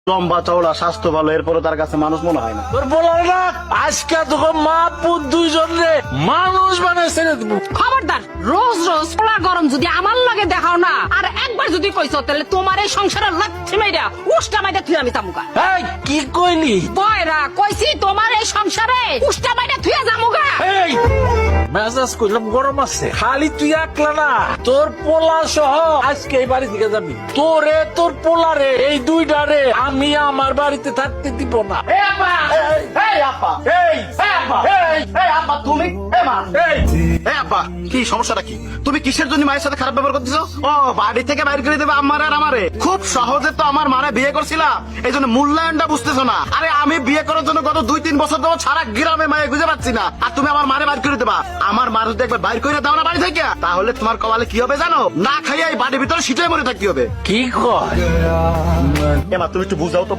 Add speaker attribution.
Speaker 1: লম্বা চওড়া স্বাস্থ্য ভালো, এরপরে তার কাছে মানুষ মনে হয় না।
Speaker 2: তোর বলার না আজকে তোকে মা পুত দুইজন রে মানুষ বানায় ছেড়ে দিব।
Speaker 3: খবরদার, রোজ রোজ পোলা গরম যদি আমার লগে দেখাও না, আর একবার যদি কইছো তাহলে তোমার এই সংসারের লাচ্ছি মাইরা উষ্টা মাইরা থুই আমি তামুকা।
Speaker 2: এই কি কইলি?
Speaker 3: বয়রা কইছি তোমার এই সংসারে উষ্টা মাইরা থুই যামুগা।
Speaker 2: এই মেজাজ কইলাম গরম আছে, খালি তুই একলা না, তোর পোলা সহ আজকে এই বাড়ি থেকে যাবি। তোরে তোর পোলা রে এই দুইটা রে আমি আমার বাড়িতে থাকতে দিব না।
Speaker 1: কি সমস্যাটা কি? তুমি কিসের জন্য মায়ের সাথে খারাপ ব্যবহার করতেছো? ও বাড়ি থেকে বাইরে করে দেবে আমার আর আমারে? খুব সহজে তো আমার মারে বিয়ে করছিলা, এই জন্য মূল্যায়নটা বুঝতেছো না। আরে আমি বিয়ে করার জন্য গত 2-3 বছর ধরে সারা গ্রামে মায়ে খুঁজে পাচ্ছি না, আর তুমি আমার মারে বাইর করে দেবা? আমার মা যদি একবার বাইর করে দাও না বাড়ি থেকে, তাহলে তোমার কপালে কি হবে জানো? না খাইয়া এই বাড়ির ভিতরে শীতে মরে থাকতে হবে।
Speaker 2: কি কয়?
Speaker 1: এমা তুমি একটু বুঝাও তো,